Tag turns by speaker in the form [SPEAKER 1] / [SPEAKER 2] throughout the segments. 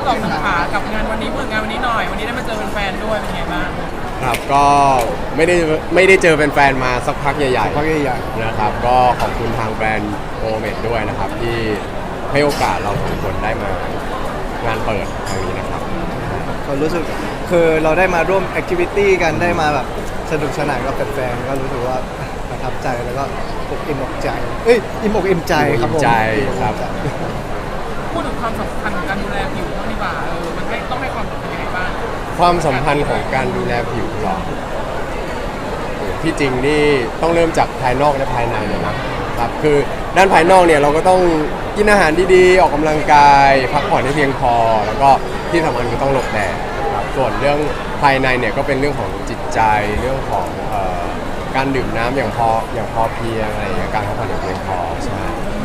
[SPEAKER 1] สองหนึ่งขากับงานวันนี้เปิดงานวันนี้หน่อยวันนี้ได้มาเจอแฟนๆด้วยเป็นไงบ้าง
[SPEAKER 2] ครับก็ไม่ได้เจอแฟนๆมาสักพักใหญ่ๆนะครับก็ขอบคุณทางแบรนด์โอเมดด้วยนะครับที่ให้โอกาสเราสองคนได้มางานเปิดครั้งนี้นะครับ
[SPEAKER 3] ก็รู้สึกคือเราได้มาร่วมแอคทิวิตี้กันได้มาแบบสนุกสนานกับแฟนๆก็รู้สึกว่าประทับใจแล้วก็อกอิ่มอกใจอิ่มอกอิ่มใจครับผม
[SPEAKER 1] พูดถึงความสำคัญของการดูแลผิวบ้างดีกว่ามันต้องให้ความสำคัญยังไงบ้าง
[SPEAKER 2] ความสัมพันธ์ของการดูแลผิวหรอที่จริงนี่ต้องเริ่มจากภายนอกและภายในเลยนะครับคือด้านภายนอกเนี่ยเราก็ต้องกินอาหารดีๆออกกำลังกายพักผ่อนให้เพียงพอแล้วก็ที่สำคัญคือต้องหลบแดดครับส่วนเรื่องภายในเนี่ยก็เป็นเรื่องของจิตใจเรื่องของการดื่มน้ำอย่างพอเพียงอะไรอย่างเงี้ยการพักผ่อนอย่างเพียงพอใช่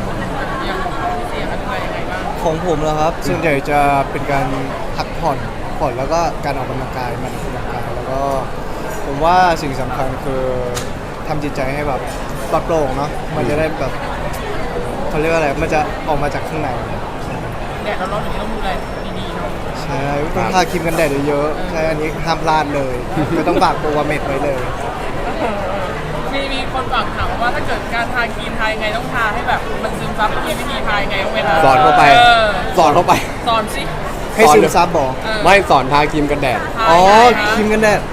[SPEAKER 3] ของผมแล้วครับส่วนใหญ่จะเป็นการพักผ่อนแล้วก็การออกกำลังกายมันออกกำลังกายแล้วก็ผมว่าสิ่งสำคัญคือทำจิตใจให้แบบปลอดโปร่งเนาะมันจะได้แบบเขาเรียกว่าอะไรมันจะออกมาจากข้างใน
[SPEAKER 1] แดดร้อนๆอย่างนี้ต้องดูแลดีๆเนาะ
[SPEAKER 3] ใช่ต้องทาครีมกันแดดเยอะๆใช่อันนี้ห้ามพลาดเลยไม่ต้องฝากโปรวาเมดไว้เลย
[SPEAKER 1] มีคนฝากถามว่าถ้าเกิดการทาครีมทายังไงต้องทาให้แบบมันซึมซับมีวิธีทายังไงเวลา
[SPEAKER 2] สอนเข้าไปส
[SPEAKER 1] อนสิ
[SPEAKER 3] ให้ซึมซับบอก
[SPEAKER 2] ไม่สอนทาครีมกันแดด
[SPEAKER 3] ครีมกันแดด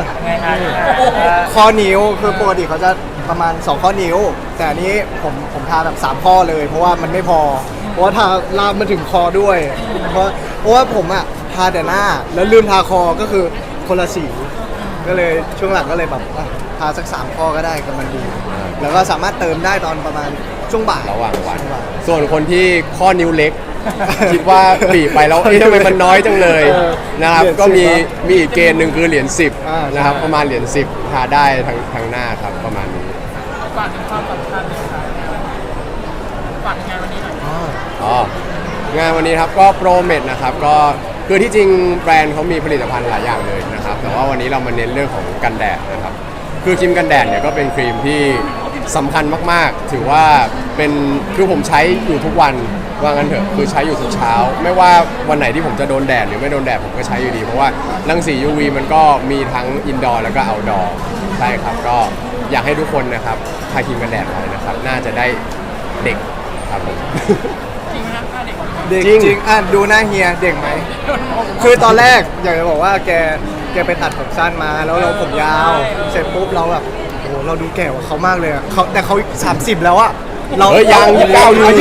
[SPEAKER 3] ข้อนิ้วคือปกติเขาจะประมาณ2ข้อนิ้วแต่อันนี้ผมทาแบบ3ข้อเลยเพราะว่ามันไม่พอเพราะว่าทาลามมาถึงคอด้วยเพราะว่าผมอะทาแต่หน้าแล้วลืมทาคอก็คือคนละสีก็เลยช่วงหลังก็เลยแบบทาสัก3ข้อก็ได้ก็มันดีแล้วก็สามารถเติมได้ตอนประมาณช่วงบ่าย
[SPEAKER 2] ระหว่างวันส่วนคนที่ข้อนิ้วเล็กคิดว่าบีบไปแล้วทำไมมันน้อยจังเลยนะครับก็มีอีกเกณฑ์หนึ่งคือเหรียญ10นะครับประมาณเหรียญ10ทาได้ทั้งหน้าครับประมาณนี้
[SPEAKER 1] ฝากถึงความสำคัญเลยค่ะฝากงานวันนี้หน่อย
[SPEAKER 2] งานวันนี้ครับก็โปรเมดนะครับก็คือที่จริงแบรนด์เขามีผลิตภัณฑ์หลายอย่างเลยนะครับแต่ว่าวันนี้เรามาเน้นเรื่องของกันแดดนะครับคือครีมกันแดดเนี่ยก็เป็นครีมที่สำคัญมากๆถือว่าเป็นคือผมใช้อยู่ทุกวันว่างั้นเถอะคือใช้อยู่ทุกเช้าไม่ว่าวันไหนที่ผมจะโดนแดดหรือไม่โดนแดดผมก็ใช้อยู่ดีเพราะว่ารังสี UV มันก็มีทั้งอินดอร์แล้วก็เอาท์ดอร์ใช่ครับก็อยากให้ทุกคนนะครับทาครีมกันแดดไว้นะครับน่าจะได้เด็กครับผม
[SPEAKER 1] จริงนะ
[SPEAKER 3] เด็กจริงดูหน้าเฮียเด็กไหมคือตอนแรกอยากจะบอกว่าแกไปตัดผมสั้นมาแล้วเราผมยาวเสร็จปุ๊บเราแบบโอ้เราดูแก่กว่าเขามากเลยเขาแต่เขา30แล้วอะ
[SPEAKER 2] เรายัง29อยู่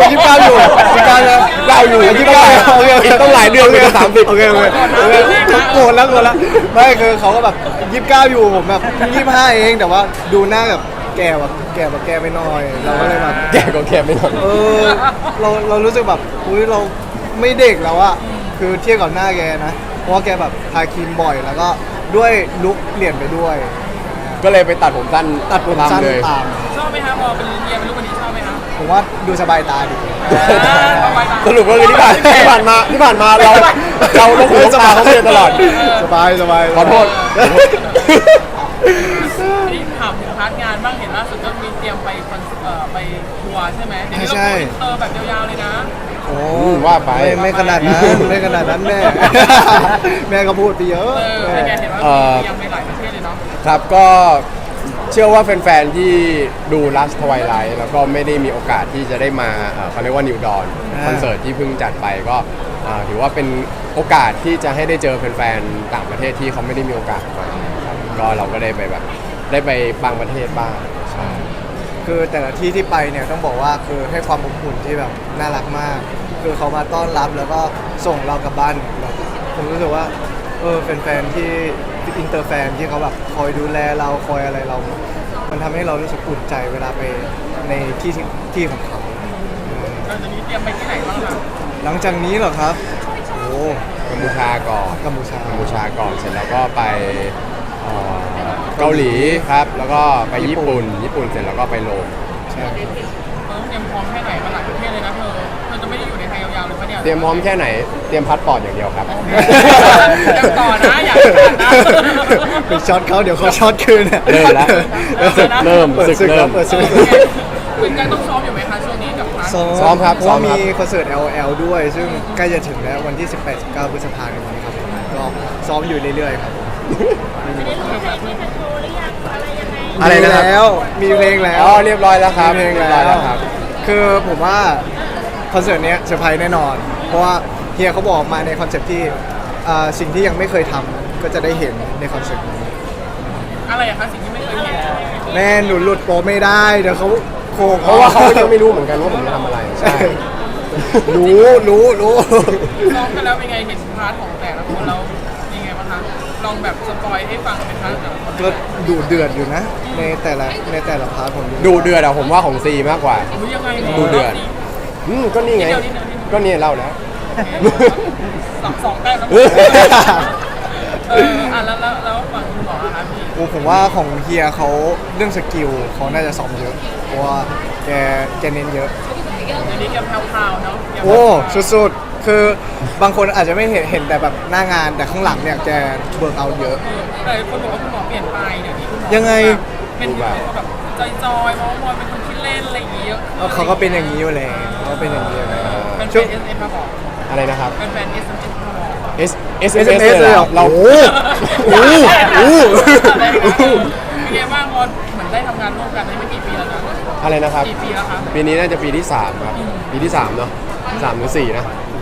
[SPEAKER 2] ต้องหลายเดือนเลย30
[SPEAKER 3] โอเคโกรธแล้วไม่คือเขาก็แบบ29อยู่ผมแบบ25เองแต่ว่าดูหน้าแบบแก่แบบแก่ไปหน่อยเราก็เลยแบบ
[SPEAKER 2] แก่ก็แก่ไปหน่อย
[SPEAKER 3] เรารู้สึกแบบอุ้ยเราไม่เด็กแล้วอะคือเทียบกับหน้าแกนะเพราะว่าแกแบบทาครีมบ่อยแล้วก็ด้วยลุคเปลี่ยนไปด้วย
[SPEAKER 2] ก็เลยไปตัดผมสั้นเลย
[SPEAKER 1] ชอบไหมครับพอเป็นเรียนเป็นลูกคนนี้ชอบไหมครับ
[SPEAKER 3] ผมว่าดูสบายตาดี
[SPEAKER 2] สรุปก็คือที่ผ่านมาเราต้องคุยสบายเขาเลยตลอด
[SPEAKER 3] สบาย
[SPEAKER 2] ขอโทษ
[SPEAKER 1] นี่ถามถึงพาร์ทงานบ้างเห็นล่าสุดก็มีเตรียมไปทัวร์ใช่ไหม
[SPEAKER 3] ใช่
[SPEAKER 1] แบบยาวๆเลยนะ
[SPEAKER 3] โอ้ว่าไปไม่ขนาดนั้นแม่ก็พูดไปเยอะ
[SPEAKER 1] แกเห็นว่ายังไปหลายประเทศเลยเนาะ
[SPEAKER 2] ครับก็เชื่อว่าแฟนๆที่ดู Last Twilight แล้วก็ไม่ได้มีโอกาสที่จะได้มาเขาเรียกว่า New Dawn คอนเสิร์ตที่เพิ่งจัดไปก็ถือว่าเป็นโอกาสที่จะให้ได้เจอแฟนๆต่างประเทศที่เขาไม่ได้มีโอกาสมาครับก็เราก็ได้ไปบางประเทศบ้างใช่
[SPEAKER 3] คือแต่ละที่ที่ไปเนี่ยต้องบอกว่าคือให้ความอบอุ่นที่แบบน่ารักมากคือเขามาต้อนรับแล้วก็ส่งเรากลับบ้านผมรู้สึกว่าแฟนๆที่อินเตอร์แฟนที่เขาแบบคอยดูแลเราคอยอะไรเรามันทำให้เรารู้สึกอุ่นใจเวลาไปในที่ของเขา
[SPEAKER 1] หลังจากนี้เตรียมไปที่ไหนบ้างครับ
[SPEAKER 3] หลังจากนี้เหรอครับ
[SPEAKER 2] กัมพูชาก่อนเสร็จแล้วก็ไปเกาหลีครับแล้วก็ไปญี่ปุ่นเสร็จแล้วก็ไปโรม
[SPEAKER 3] ใช่
[SPEAKER 1] เตรียมพร้อมแค่ไหนมาหลายประเทศเลยนะเธอจะไม่ได้อยู่ในไทยยาวๆเลยปะเนี่ย
[SPEAKER 2] เตรียมพร้อมแค่ไหนเตรียมพาสปอร์ตอย่างเดียวครับ
[SPEAKER 1] ต่อนะอยากนะ
[SPEAKER 3] ไปช็อตเขาเดี๋ยวเขาช็อตคืน
[SPEAKER 2] เริ่มศึก
[SPEAKER 1] คุณกันต้องซ้อมอยู่ไหมคะช่วงนี้กับพาร์ท
[SPEAKER 2] ซ้อมครับ
[SPEAKER 3] เพราะว่า
[SPEAKER 2] ซ้อมครับ
[SPEAKER 3] มีคอนเสิร์ต LL ด้วย ซึ่งใกล้จะถึงแล้ววันที่ 18-19 พฤษภาคมนี้ครับผมก็ซ้อมอยู่เรื่อยๆครับผม
[SPEAKER 2] อะไรนะครับ
[SPEAKER 3] มีแล้วมีเพลงแล้ว
[SPEAKER 2] อ๋อเรียบร้อยแล้วครับ
[SPEAKER 3] มีเพลง
[SPEAKER 2] เรียบ
[SPEAKER 3] แล้
[SPEAKER 2] ร้อยว แล้วครับ
[SPEAKER 3] คือผมว่าคอนเสิร์ตเนี้ยเซอร์ไพรส์แน่นอน เพราะว่าเฮียเขาบอกมาในคอนเซ็ปต์ที่สิ่งที่ยังไม่เคยทำก็จะได้เห็นในคอนเสิร์ตนี้
[SPEAKER 1] อะไรอะคะสิ่งที่ไม่เคยเห็น
[SPEAKER 3] แม่หนูหลุดโปรไม่ได้เดี๋ยวเขาโคง
[SPEAKER 2] เพราะว่าเขายังไม่รู้เหมือนกันว่าผมจะทำอะไรใช่
[SPEAKER 3] รู้
[SPEAKER 1] ซ้อมกันแล้วเป็นไงเห็นพาร์ทของแต่ละคนเรายังไงบ้างคะลองแบบสปอยให้ฟังเป็นครั้งแต่ละคน
[SPEAKER 3] ก็ดูเดือดอยู่นะ ในแต่ละพาร์ทผม
[SPEAKER 2] ดูเดือดอะผมว่าของซีมากกว่า
[SPEAKER 1] อุ๊ยยังไง
[SPEAKER 2] ดูเดือด ก็นี่ไง
[SPEAKER 1] นิดเดียว
[SPEAKER 2] ก็เนี่ยเล่าแล้ว
[SPEAKER 1] สองแต้มแล้วแล้วฝั่งคุณหมออะคะพี่
[SPEAKER 3] โอ้ผมว่าของเฮียเขาเรื่องสกิลเขาน่าจะซ้อมเยอะ เพราะว่าแกเน้นเยอะ
[SPEAKER 1] เดี๋ยวนี้แกแพรวๆเนาะแก
[SPEAKER 3] โอ้สุดๆ คือบางคนอาจจะไม่เห็นแต่แบบหน้างานแต่ข้างหลังเนี่ยแกเบิร์กเอาเยอะ
[SPEAKER 1] แต่คนบอกว่าคุณหมอเปลี่ยนไปเดี๋ยวนี้คุณหมอ
[SPEAKER 3] ยังไง
[SPEAKER 1] เป็นแบบจอยๆมองเป็นคนคิดเล่นอะไรอย่างเงี้ยเยอะ
[SPEAKER 3] เขาก็เป็นอย่างนี้อยู่แล้วเขาก็เป็นอย่างนี้อยู่แล้ว
[SPEAKER 1] เป็น
[SPEAKER 3] ช่วง
[SPEAKER 1] เอสเอ็มมาบอก
[SPEAKER 2] อะไรนะครับ
[SPEAKER 1] เป็นแฟนเอสเอ็มมาบอก
[SPEAKER 2] S S
[SPEAKER 3] SMS
[SPEAKER 2] S เลยเหรอเรา
[SPEAKER 3] โอ้โห
[SPEAKER 1] เป็นไงบ้างบอลเหมือนได้ทำงานร่วมกันได้ไม่กี่ปีแล้วนะ
[SPEAKER 2] อะไรนะครับ
[SPEAKER 1] กี่ปีแล้วคะ
[SPEAKER 2] ปีนี้น่าจะปีที่ 3 ครับ ปีที่ 3 เนาะ3หรือ 4 นะ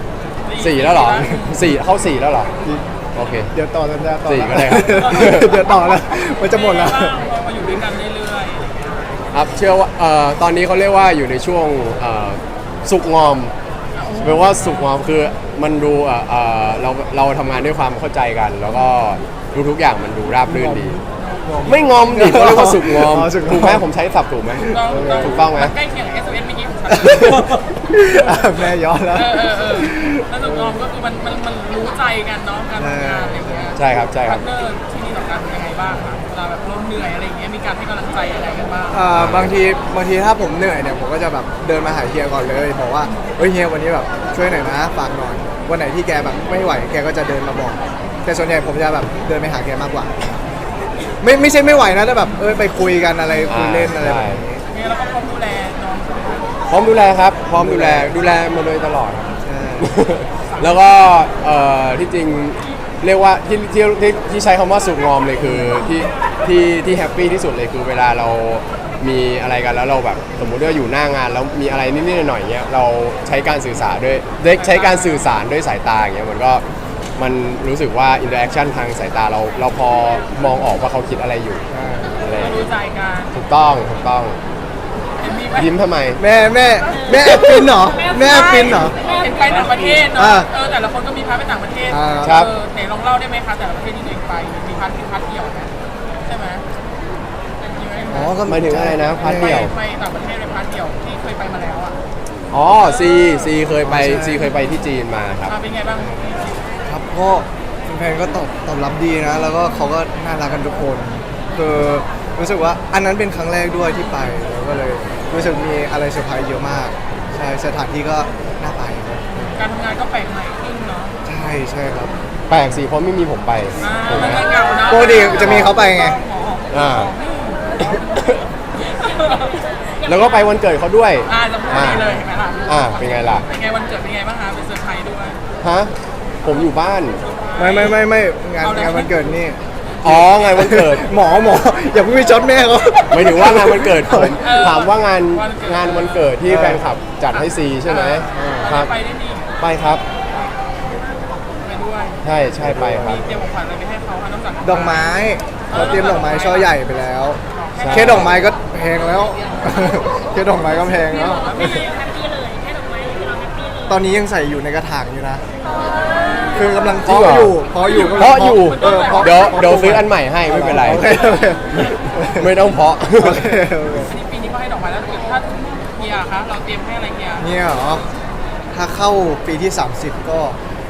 [SPEAKER 2] 4 แล้วเหรอ 4 เข้า 4 แล้วเหรอ โอเค
[SPEAKER 3] เดี๋ยวต่อสัญญาต่อ
[SPEAKER 2] สี่ก็ได้ครับ
[SPEAKER 3] เดี๋ยวต่อแล้วมันจะหมดแล้ว
[SPEAKER 1] เป็นไงบ้างพอมาอยู่ด้วยกันเรื่อย
[SPEAKER 2] ครับเชื่อว่าตอนนี้เขาเรียกว่าอยู่ในช่วงสุกงอมแปลว่าสุกงอมคือมันดูเราทำงานด้วยความเข้าใจกัน แล้วก็ทุกอย่างมันดูราบรื่นดี ไม่งอมดิเขาเรียกว่าสุกงอม
[SPEAKER 3] อ๋อสุกงอม
[SPEAKER 2] ถูกไหมผมใช้ศัพท์ถูกไหม
[SPEAKER 1] ๆ
[SPEAKER 2] ถูกต้องไหม
[SPEAKER 1] ใกล้เคียงกับ SMS เมื่อกี้ของฉัน
[SPEAKER 3] แม่ย้อนแล้ว
[SPEAKER 1] แล้วสุกงอมก็คือมันรู้ใจกันเนาะการทำงานอะไรอย่างเงี้ย
[SPEAKER 2] ใช่ครับใช่ครับ
[SPEAKER 1] พาร์ทเนอร์ที่นี่ต่อกันยังไงบ้างคะเวลาแบบเราเหนื่อยอะไรอย่างเงี้ยมีการให้กำลังใจอะไรกันบ้าง
[SPEAKER 3] บางทีถ้าผมเหนื่อยเนี่ยผมก็จะแบบเดินมาหาเฮียก่อนเลยบอกว่าเฮ้ยเฮียวันนี้แบบช่วยหน่อยนะฝากหน่อยวันไหนที่แกแบบไม่ไหวแกก็จะเดินมาบอก แต่ส่วนใหญ่ผมจะแบบเดินไปหาแกมากกว่า ไม่ใช่ไม่ไหวนะแต่แบบไปคุยกันอะไรคุยเล่นอะไรแบบนี้
[SPEAKER 1] เนี่ยเราก็พร้อมดูแลน้องใช่ไหมคะ
[SPEAKER 2] พร้อมดูแลครับ พร้อมดูแลมาโดยตลอดครับ
[SPEAKER 3] ใช่
[SPEAKER 2] แล้วก็ที่จริงเรียกว่าที่ใช้คำว่าสุกงอมเลยคือที่แฮปปี้ที่สุดเลยคือเวลาเรามีอะไรกันแล้วเราแบบสมมุติว่าอยู่หน้างานแล้วมีอะไรนิดๆหน่อยๆเงี้ยเราใช้การสื่อสารใช้การสื่อสารด้วยสายตาอย่างเงี้ยมันรู้สึกว่าอินเตอร์แอคชั่นทางสายตาเราพอมองออกว่าเขาคิดอะไรอยู่อะไรอย่าง
[SPEAKER 1] รู้
[SPEAKER 2] เงี้ย
[SPEAKER 1] ใจกัน
[SPEAKER 2] ถูกต้อง
[SPEAKER 1] เห็นมีไหม
[SPEAKER 2] ยิ้มทำไม
[SPEAKER 3] แม่แอบฟินเหรอแม่แอบฟินเหรอ
[SPEAKER 1] เห็นไปต่างประเทศเนาะ
[SPEAKER 3] อ่า
[SPEAKER 1] แต่ละคนก็มีพาร์ทไปต่างประเทศ
[SPEAKER 2] ครับ
[SPEAKER 1] ไหนลองเล่าได้ไหมคะแต่ละประเทศที่ตัวเองไปมีพาร์ทเดี่ยวไหมใช่ไหมมีไหม
[SPEAKER 3] อ๋อก็
[SPEAKER 2] หมายถึงอะไรนะพาร์ทเดี่ยว
[SPEAKER 1] ไปต่างประเทศเป็นพาร์ทเดี่ยวที่เคยไปมาแล้วอ่ะ
[SPEAKER 2] อ๋อซีเคยไปที่จีนมาครับ
[SPEAKER 1] เป็นไงบ้าง
[SPEAKER 3] ครับก็แฟนๆก็ตอบรับดีนะ แล้วก็เขาก็น่ารักกันทุกคนคือรู้สึกว่าอันนั้นเป็นครั้งแรกด้วยที่ไปแล้วก็เลยรู้สึกมีอะไรเซอร์ไพรส์เยอะมากใช่สถานที่ก็น่าไปครับ
[SPEAKER 1] การทำงานก็แปลกใหม่ขึ้นเนาะ
[SPEAKER 3] ใช่ครับ
[SPEAKER 2] แปลกสิเพราะไม่มีผมไปถูกไหม
[SPEAKER 1] มันก็เหงาเนาะ
[SPEAKER 3] ปกติจะมีเขาไปไง
[SPEAKER 2] อ่า แล้วก็ไปวันเกิดเขาด้วย
[SPEAKER 1] จะพูดดีเลยเห็นไหมล่ะ
[SPEAKER 2] เป็นไงล่ะ
[SPEAKER 1] เป็นไงวันเกิดเป็นไงบ้างคะเป็นเซอร์ไพรส์ด้วย
[SPEAKER 2] ฮะผมอยู่บ้าน
[SPEAKER 3] ไม่งานวันเกิดนี่
[SPEAKER 2] อ๋องานวันเกิด
[SPEAKER 3] หมออย่าเพิ่งไปช็อตแม่เขา
[SPEAKER 2] หมายถึงว่างานวันเกิดผมถามว่างานวันเกิดที่แฟนคลับจัดให้ซีใช่ไหมครับ
[SPEAKER 1] ไปได้นี่
[SPEAKER 2] ไปครับ
[SPEAKER 1] ไปด้วย
[SPEAKER 2] ใช่ไปครับ
[SPEAKER 1] มีเตรียมของขวัญอะไรไปให้เขาคะนอกจาก
[SPEAKER 3] ดอกไม้เราเตรียมดอกไม้ช่อใหญ่ไปแล้ว
[SPEAKER 2] ใช่
[SPEAKER 3] แค่ดอกไม้ก็แพงแล้ว แค่ดอกไม้ก็แพงแล้ว
[SPEAKER 1] ไม่ได้แฮปปี้เลยแค่ดอกไม้คือเราแฮปปี้เลย
[SPEAKER 3] ตอนนี้ยังใส่อยู่ในกระถางอยู่นะ คือกำลัง
[SPEAKER 2] จริงเหรอ
[SPEAKER 3] เพาะอยู่
[SPEAKER 2] เพราะอยู่
[SPEAKER 3] เพาะ
[SPEAKER 2] เดี๋ยวซื้ออันใหม่ให้ไม่เป็นไร
[SPEAKER 3] โอเค
[SPEAKER 2] ไม่ต้องเพาะ
[SPEAKER 3] โอเค
[SPEAKER 1] ปีนี้ก็ให้ดอกไม้แล้วถ้าเฮียคะเราเตรียมให้อะไรเฮีย
[SPEAKER 3] เนี่ยเหรอ ถ้าเข้าปีที่ 30 ก็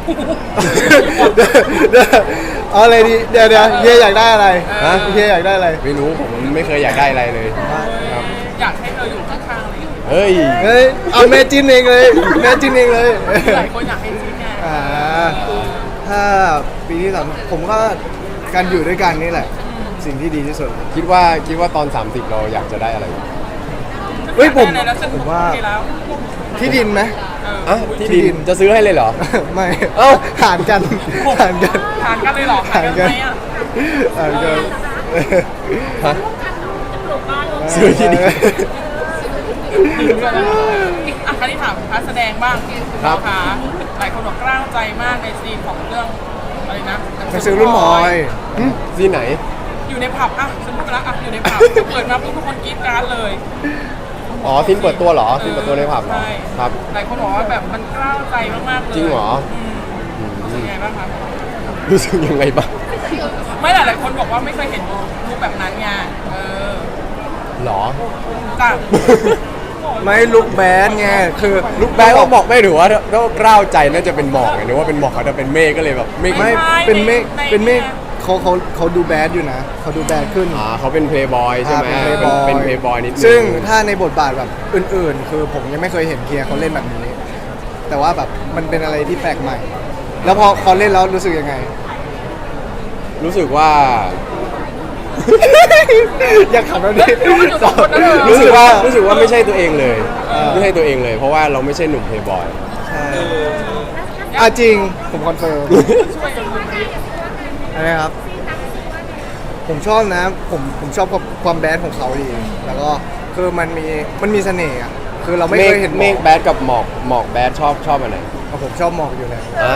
[SPEAKER 3] เอาอะไรดีเดี๋ยวเฮียอยากได้อะไร
[SPEAKER 2] ฮะ
[SPEAKER 3] เฮียอยากได้อะไร
[SPEAKER 2] ไม่รู้ผมไม่เคยอยากได้อะไรเลยครับ
[SPEAKER 1] อยากให้เธออยู่ข้างๆเลย
[SPEAKER 2] เฮ้ย
[SPEAKER 3] เฮ้ยเอาแม่จิ้นเองเลยแม่จิ้นเองเลย
[SPEAKER 1] หลายคนอยากให้ชิ้นไง
[SPEAKER 3] ถ้าปีที่3ผมก็การอยู่ด้วยกันนี่แหละ สิ่งที่ดีที่สุด
[SPEAKER 2] คิดว่าตอน 30 เราอยากจะได้อะไร
[SPEAKER 3] อเฮ้ยผม
[SPEAKER 1] แล้วฉัน
[SPEAKER 3] ผมว่า
[SPEAKER 1] โอเคแล้ว
[SPEAKER 3] ที่ดินไหม
[SPEAKER 2] อ่ะที่ดินจะซื้อให้เลยเหรอ
[SPEAKER 3] ไม่
[SPEAKER 2] เอ้า
[SPEAKER 3] หารกันหารกัน
[SPEAKER 1] ทานกันเลยเหรอทานกันไหมอ่ะ
[SPEAKER 3] หารกัน
[SPEAKER 2] ฮะซื้อที่ดิน
[SPEAKER 1] อ่ะคราวนี้ถามพาร์ทแสดงบ้าง
[SPEAKER 2] ครับ
[SPEAKER 1] คะหลายคนบอกกล้าวใจมากในซีนของเรื่องอะไรนะ
[SPEAKER 3] ไปซื้อรุ่นมอย
[SPEAKER 2] ที่ไหน
[SPEAKER 1] อยู่ในผับอ่ะฉันพูดไปแล้วอ่ะอยู่ในผับเปิดมาปุ๊บทุกคนกรี๊ดกราร์ดเลย
[SPEAKER 2] อ๋อซินเปิดตัวเหรอซินเปิดตัวในผับเหรอ
[SPEAKER 1] ใช่
[SPEAKER 2] ครับ
[SPEAKER 1] หลายคนบอกว่าแบบมันกล้าวใจมากๆเลย
[SPEAKER 2] จริงเหรอ
[SPEAKER 1] รู้สึกยังไงบ้างคะ
[SPEAKER 2] รู้สึกยังไงบ้าง
[SPEAKER 1] ไม่หลายคนบอกว่าไม่เคยเห็นรูปแบบนั้นไงเออ
[SPEAKER 2] หรอ
[SPEAKER 1] จ้ะ
[SPEAKER 3] ไม่ลุกแบดไงคือ
[SPEAKER 2] ลูกแบงค์ก็บอกไม่ถือว่าถ้ากล้าวใจน่าจะเป็นหมอกไงนึกว่าเป็นหมอกเขาจะเป็นเมฆก็เลยแบบเมฆ
[SPEAKER 3] ไม่เป็นเมฆเป็นเมฆเขาดูแบดอยู่นะเขาดูแบดขึ้น
[SPEAKER 2] เขาเป็นเพย์บอยใช่ไหม
[SPEAKER 3] เป็น playboy
[SPEAKER 2] เป็นเพย์บอยนิดนึง
[SPEAKER 3] ซึ่งถ้าในบทบาทแบบอื่นๆ คือผมยังไม่เคยเห็นเคียร์เขาเล่นแบบนี้ แต่ว่าแบบมันเป็นอะไรที่แปลกใหม่ แล้วพอเขาเล่นแล้วรู้สึกยังไง
[SPEAKER 2] รู้สึกว่า
[SPEAKER 3] อยากขับแล้วดิ
[SPEAKER 2] รู้สึกว่าไม่ใช่ตัวเองเลย ไม่ใช่ตัวเองเลย เพราะว่าเราไม่ใช่หนุ่มเพย์บอย
[SPEAKER 3] ใช่จริงผมคอนเฟิร์มอะไรครับ ผมชอบนะผมชอบความแบดของเขาดี แล้วก็คือมันมีเสน่ห์อ่ะคือเราไม่เคยเห็น
[SPEAKER 2] เมฆแบดกับหมอกแบดชอบอันไหน
[SPEAKER 3] ผมชอบหมอกอยู่แล้ว
[SPEAKER 2] อ้าว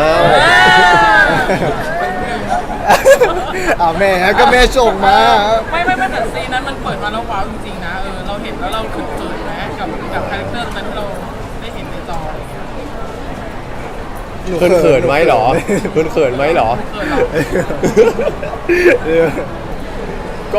[SPEAKER 3] แม่ก็แม่ส่งมา
[SPEAKER 1] ไม่แต่ซีนนั้นมันเปิดมาแล้วว้าวจริงๆนะเราเห็นแล้วเราเขินๆนะกับคาแรคเตอร์นั้นที่เราได้เห็นในจอ
[SPEAKER 2] เขินไหมเหรอเขินไหมเหรอ ก็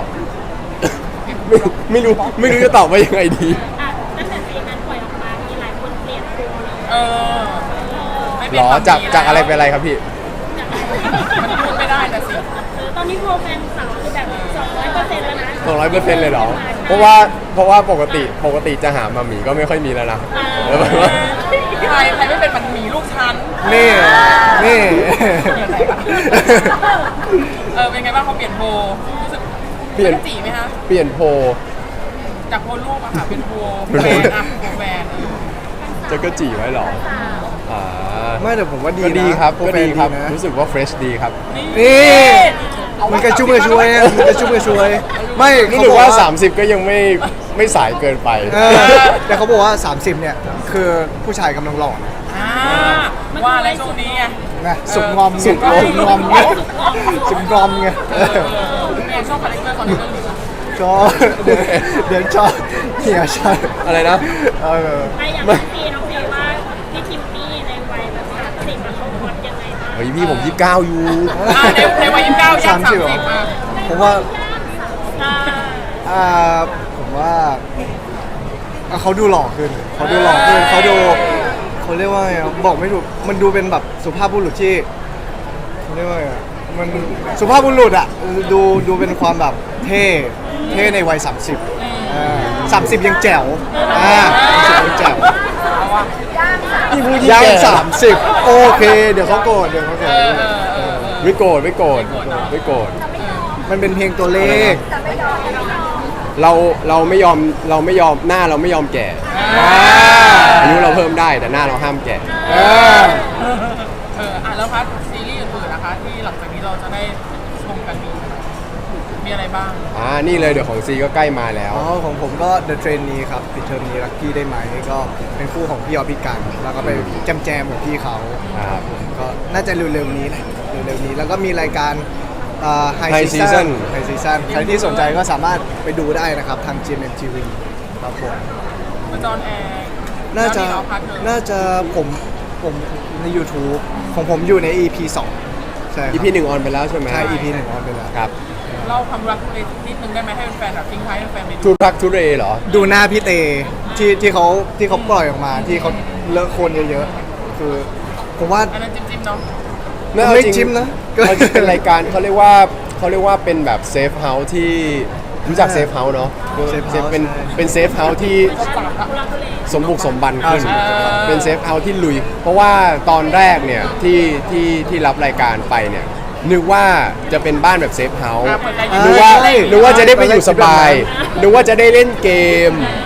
[SPEAKER 2] ไม่รู้จะตอบว่ายังไงดี
[SPEAKER 4] อ่ะตั้งแต่ซีนนั้นปล่อยออกมา มีหลายคนเปลี่ยนตัวเลย
[SPEAKER 1] ไม่เป็น
[SPEAKER 2] หรอ
[SPEAKER 1] ความดี
[SPEAKER 2] จากอะไรเป็นอะไรครับพี่
[SPEAKER 1] มันพูดไม่ได้แต่สิ
[SPEAKER 4] ตอนนี้โปรแฟนสาวคือแบบ200%แล้วนะ
[SPEAKER 2] 200%เลยเหรอ เพราะว่าปกติจะหามาหมีก็ไม่ค่อยมีแล้วนะแล้วแบบว่า
[SPEAKER 1] ใครไม่เป็นมันหมีลูกชั้น
[SPEAKER 3] นี่
[SPEAKER 1] เป็นไงบ้างเขาเปลี่ยนโพลรู้สึก
[SPEAKER 2] เปลี่ยน
[SPEAKER 1] จีไหมคะ
[SPEAKER 2] เปลี่ยนโพล
[SPEAKER 1] จากโพลรูปอะค่ะเป็นโพล
[SPEAKER 2] เป็น
[SPEAKER 1] แบ
[SPEAKER 2] โพล
[SPEAKER 1] นอะโพลแบน
[SPEAKER 2] จะก็จีไว้เหรออ่า
[SPEAKER 3] ไม่แต่ผมว่าดี
[SPEAKER 2] ก็
[SPEAKER 3] นะ
[SPEAKER 2] ดีครับ
[SPEAKER 3] โปร
[SPEAKER 2] ก็
[SPEAKER 3] แฟน
[SPEAKER 2] ดีครับ
[SPEAKER 3] นะ
[SPEAKER 2] รู้สึกว่าเฟรชดีครับ
[SPEAKER 3] นี่มันกระชุ่มกระชวยอะมันกระชุ่มกระชวย ไม่
[SPEAKER 2] รู้
[SPEAKER 3] เขา
[SPEAKER 2] สึ
[SPEAKER 3] บ
[SPEAKER 2] ก
[SPEAKER 3] อก
[SPEAKER 2] ว่า
[SPEAKER 3] ว่า
[SPEAKER 2] 30 ก็ยังไม่สายเกินไป
[SPEAKER 3] แต่เขาบอกว่า 30 เนี่ย คือผู้ชายกำลังหล่อนะ
[SPEAKER 1] ว่าอะไรช่วงนี้ไง
[SPEAKER 3] นะสุกงอม
[SPEAKER 2] สุกงอม
[SPEAKER 3] สุกงอมไงสุกงอมไง
[SPEAKER 1] เนี่ยชอบคาแรคเตอร์ของในเรื่องนี้
[SPEAKER 3] ชอบเดี๋ยวชอบเหี่ยชอบ
[SPEAKER 2] อะไรนะ
[SPEAKER 4] ไม่อย่างน้องพีว่าพี่ทิมมี่ในวัยแบบ30อะเขาฮอตยังไงบ้าง
[SPEAKER 2] เฮ้ยพี่ผม29อยู่
[SPEAKER 1] ในวัย29ย่าง30อ่ะ
[SPEAKER 3] ผมว่า
[SPEAKER 4] อ่า
[SPEAKER 3] ผมว่าเขาดูหล่อขึ้นเขาดูหล่อขึ้นเขาเรียกว่าไงอะบอกไม่ถูกมันดูเป็นแบบสุภาพบุรุษที่เขาเรียกว่าไงอะมันสุภาพบุรุษอะดูเป็นความแบบเท่ในวัย 30 ยังแจ๋ว30ยังแจ๋ว
[SPEAKER 2] พี่พูด
[SPEAKER 3] ยัง
[SPEAKER 2] แก่
[SPEAKER 3] 30 โอเค เดี๋ยวเขาโกรธ
[SPEAKER 2] ไม่โกรธไม่โกรธ
[SPEAKER 3] มันเป็นเพียงตัวเลข
[SPEAKER 2] เราไม่ยอมหน้าเราไม่ยอมแก่อายุเราเพิ่มได้แต่หน้าเราห้ามแก่
[SPEAKER 1] แล้วพัทซีรีส์อื่นๆนะคะที่หลังจากนี้เราจะได้ชมกันมีอะไรบ้าง
[SPEAKER 2] นี่เลยเดี๋ยวของซีก็ใกล้มาแล้ว
[SPEAKER 3] ของผมก็ The Train นี้ครับปิดเทอมนี้ลักกี้ได้ไหมก็เป็นคู่ของพี่ออฟพี่กัน แล้วก็ไปแจมกับพี่เขา
[SPEAKER 2] ครับ
[SPEAKER 3] ผมก็น่าจะเร็วๆนี้แหละเร็วๆนี้แล้วก็มีรายการHigh
[SPEAKER 2] High
[SPEAKER 3] Season
[SPEAKER 2] Season
[SPEAKER 3] ใครที่สนใจก็สามารถไปดูได้นะครับทาง GMMTV ครับผม
[SPEAKER 1] มาจอนแอร์
[SPEAKER 3] น่าจะ
[SPEAKER 1] แล้วมีพัทเธอ
[SPEAKER 3] น่าจะผมใน YouTube ของผมอยู่ใน EP 2 ใช่ครับ
[SPEAKER 2] EP 1ออนไปแล้วใช่ไหม
[SPEAKER 3] ใช่ EP 1ออนไปแล้ว
[SPEAKER 2] ครับ
[SPEAKER 1] เล่าความรักเลยนิดนึงได้ไหมให้แฟนๆแบบทิ้งท้ายให้แฟนๆไปดู
[SPEAKER 2] ทุรักทุเรเหรอ
[SPEAKER 3] ดูหน้าพี่เตที่เขาปล่อยออกมาที่เขาเลอะโคลนเยอะๆคือผมว่า
[SPEAKER 1] อันนั้นจิ้มๆเนาะ
[SPEAKER 3] ไม่จิ้มนะ
[SPEAKER 2] เขาจะเป็นรายการเขาเรียกว่าเป็นแบบเซฟเฮาส์ที่รู้จักเซฟเฮาส์เนาะ
[SPEAKER 3] Safe House
[SPEAKER 2] เป็นเซฟเฮาส์ที่ สมบุกสมบันขึ้น
[SPEAKER 3] อ่า
[SPEAKER 2] เป็นเซฟเฮาส์ที่ลุย เพราะว่าตอนแรกเนี่ยที่รับรายการไปเนี่ยนึกว่าจะเป็นบ้านแบบเซฟเฮาส์
[SPEAKER 1] เปิดราย
[SPEAKER 2] นึกว่า
[SPEAKER 3] ใช่
[SPEAKER 2] นึกว่าจะได้ไปอยู่สบาย
[SPEAKER 3] ใช่
[SPEAKER 2] นึกว่าจะได้เล่นเกม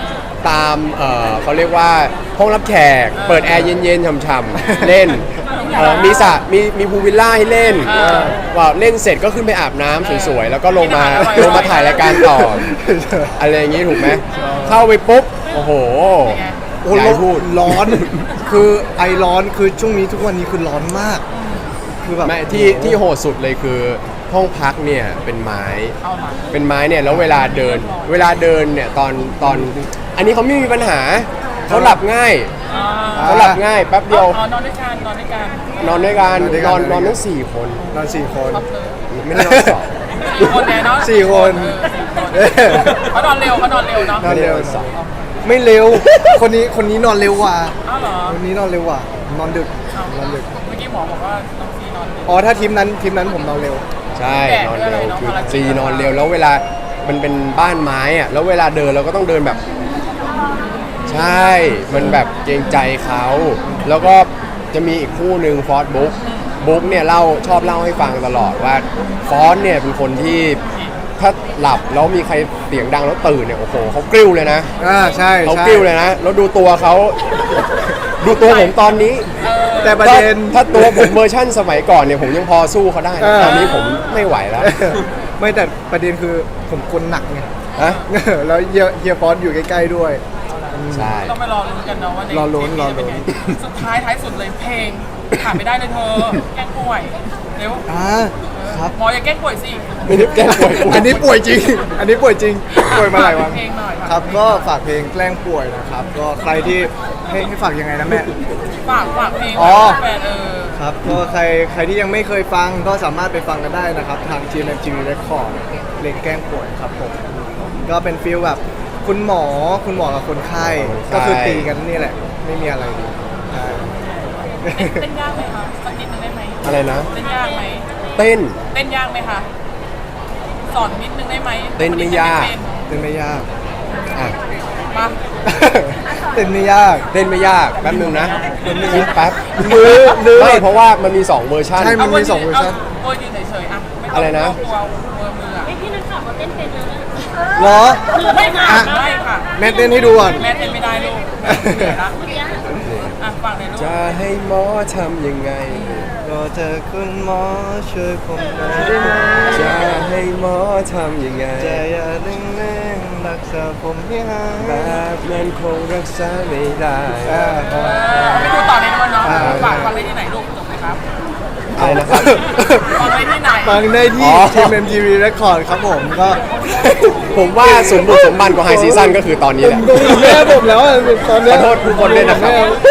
[SPEAKER 2] ตามเขาเรียกว่าห้องรับแขกเปิดแอร์เย็นๆช่ำๆเล่นมีสระมีพูลวิลล่าให้เล่นว่าเล่นเสร็จก็ขึ้นไปอาบน้ำสวยๆแล้วก็ลงมาถ่ายรายการต่ออะไรอย่างงี้ถูกไหมเข้าไปปุ๊บโอ้โห
[SPEAKER 3] โอ้
[SPEAKER 2] อย่าให้พูด
[SPEAKER 3] ร้อน คือไอร้อนคือช่วงนี้ทุกวันนี้คือร้อนมาก คือแบบ
[SPEAKER 2] ไม่ที่โหดสุดเลยคือห้องพักเนี่ยเป็นไม้
[SPEAKER 1] เข้ามา
[SPEAKER 2] เป็นไม้เนี่ยแล้วเวลาเดินเนี่ยตอนอันนี้เขาไม่มีปัญหาเขาหลับง่ายเขาหลับง่ายแป๊บเดียว
[SPEAKER 1] นอนด้วยกันนอนด้วยกัน
[SPEAKER 2] นอนด้วยกันนอนทั้ง4 คน
[SPEAKER 3] นอน4 คน
[SPEAKER 1] ครับเลย
[SPEAKER 2] ไม่ได้นอนสอง
[SPEAKER 1] 4 คนแน่เนาะ
[SPEAKER 3] 4 คน
[SPEAKER 1] เขานอนเร็วเขานอนเร็วเนาะ
[SPEAKER 3] นอนเร็ว
[SPEAKER 2] ไม่ได้นอนสอง
[SPEAKER 3] ไม่เร็ว คนนี้นอนเร็วกว่า
[SPEAKER 1] อ้าวเหรอ
[SPEAKER 3] คนนี้นอนเร็วกว่า นอนดึก นอนดึก
[SPEAKER 1] เมื่อกี้หมอบอกว่าน้องซีนอนเร็ว
[SPEAKER 3] อ๋อถ้าทีมนั้นผมนอนเร็ว
[SPEAKER 2] ใช่นอนเร็ว
[SPEAKER 1] แดดด้วยอะไรเนอะ
[SPEAKER 2] คือ
[SPEAKER 1] ภารกิจ
[SPEAKER 2] ซีนอนเร็วแล้วเวลามันเป็นบ้านไม้อะแล้วเวลาเดินเราก็ต้องเดินแบบ ใช่มันแบบเกรงใจเขาแล้วก็จะมีอีกคู่หนึ่งฟอสบุ๊กเนี่ยชอบเล่าให้ฟังตลอดว่าฟอสเนี่ยเป็นคนที่ถ้าหลับแล้วมีใครเสียงดังแล้วตื่นเนี่ยโอ้โหเขากริ้วเลยนะ
[SPEAKER 3] ใช่
[SPEAKER 2] เขา
[SPEAKER 3] ใช่
[SPEAKER 2] กริ้วเลยนะแล้วดูตัวเขาดูตัวผมตอนนี้
[SPEAKER 3] แต่ประเด็น
[SPEAKER 2] ถ้าตัวผมเวอร์ชั่นสมัยก่อนเนี่ยผมยังพอสู้เขาได้นะตอนนี้ผมไม่ไหวแล้ว
[SPEAKER 3] ไม่แต่ประเด็นคือผมกลหนักไง
[SPEAKER 2] ฮะ
[SPEAKER 3] แล้วเฮียฟอสอยู่ใกล้ๆด้วย
[SPEAKER 2] ใช่
[SPEAKER 1] ต้องไปรอลุ้นกันเนาะว่าใน
[SPEAKER 3] รอลุ้น
[SPEAKER 1] เทปจะเป็นไงสุดท้ายสุดเลยเพลงขาดไม่ได้เลยเธอแกล้งป่วยเร็ว
[SPEAKER 3] ครับ
[SPEAKER 1] หมออย่าแกล้งป่วยสิ
[SPEAKER 2] ไม่ได้แกล้งป่วย
[SPEAKER 3] อันนี้ป่วยจริง อันนี้ป่วยจริง ป่วยมาหลายวัน
[SPEAKER 1] เพลงหน่อย
[SPEAKER 3] ครับ ก็ฝากเพลงแกล้งป่วยนะครับ ก็ใครที่ให้ฝากยังไงนะแม่
[SPEAKER 1] ฝากเพลง
[SPEAKER 3] อ๋อ
[SPEAKER 1] แฟน
[SPEAKER 3] ครับ ก็ใครที่ยังไม่เคยฟังก็สามารถไปฟังกันได้นะครับ ทาง GMMTV Record เพลงแกล้งป่วยครับผม ก็เป็นฟีลแบบคุณหมอกับคนไข้ ก็คือตีกันนี่แหละ ไม่มีอะไรดีใช่
[SPEAKER 1] เต้นยากไหมคะสักนิดนึงได้ไหม
[SPEAKER 2] อะไรนะ
[SPEAKER 1] เต้นยากไหม
[SPEAKER 2] เต้น
[SPEAKER 1] เต้นยากไหมคะสอนนิดนึงได้ไหม
[SPEAKER 2] เต้นไม่ยาก
[SPEAKER 3] เต้นไม่ยาก
[SPEAKER 2] อ่ะ
[SPEAKER 1] มา
[SPEAKER 3] เต้นไม่ยาก
[SPEAKER 2] เต้นไม่ยากแป๊บนึงนะคิดแป๊บ
[SPEAKER 3] มือ
[SPEAKER 2] ไม่เพราะว่ามันมี2เวอร์ชัน
[SPEAKER 3] ใช่ มันมี2เวอร์ชัน
[SPEAKER 1] เวอร์ยืนเฉยๆอ่ะไม่ต้ง
[SPEAKER 2] อะไรนะ
[SPEAKER 1] ตัวเวอร์มืออ่ะ
[SPEAKER 4] พี่นักข่าวเขาเต้นเป็นเลย
[SPEAKER 3] เหรอ
[SPEAKER 1] ไม่ค่ะไม่ค่ะ
[SPEAKER 3] แม่เต้นให้ดูก่อน
[SPEAKER 1] แม่เต้นไม่ได้ลูกเหนื่อยละ
[SPEAKER 4] เมื่อกี้
[SPEAKER 1] อ่ะฟังเลยลูก
[SPEAKER 2] จะให้หมอทำยังไง
[SPEAKER 3] ก็เธอคุณหมอช่วยผมหน่อยได้ไหม
[SPEAKER 2] จะให้หมอทำยังไง
[SPEAKER 3] จะอย่าเร่งรักษาผมให้หาย
[SPEAKER 2] แบบนั้นคงรักษาไม่ได้
[SPEAKER 1] ไปดูต่อในนู้นเนาะฝากฟังได้ที่ไหนลูกจบไหมครับ
[SPEAKER 2] อะไรนะครับ
[SPEAKER 1] ฟังได้ที่ไหน
[SPEAKER 3] ฟังได้ที่
[SPEAKER 2] อ๋อ
[SPEAKER 3] GMMTV Record ครับผมก็
[SPEAKER 2] ผมว่าสมบุกสมบันกว่าไฮซีซั่นก็คือตอนนี้แหละ
[SPEAKER 3] ดูแม่ผมแล้วอะตอนเนี้ย
[SPEAKER 2] ขอโทษทุกคนด้วยนะครับ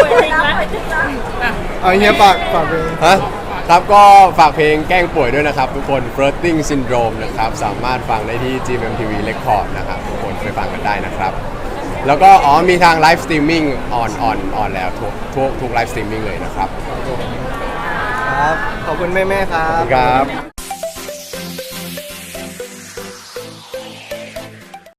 [SPEAKER 3] เอาเฮียฝากเพลง
[SPEAKER 2] ฮะครับก็ฝากเพลงแกล้งป่วยด้วยนะครับ ทุกคน Flirting Syndrome นะครับ สามารถฟังได้ที่ GMMTV Record นะครับ ทุกคนไปฟังกันได้นะครับ แล้วก็มีทางไลฟ์สตรีมมิ่งออนแล้วทุกไลฟ์สตรีมมิ่งเลยนะครับ
[SPEAKER 3] ครับ ขอบคุณแม่ๆครับ
[SPEAKER 2] ครับ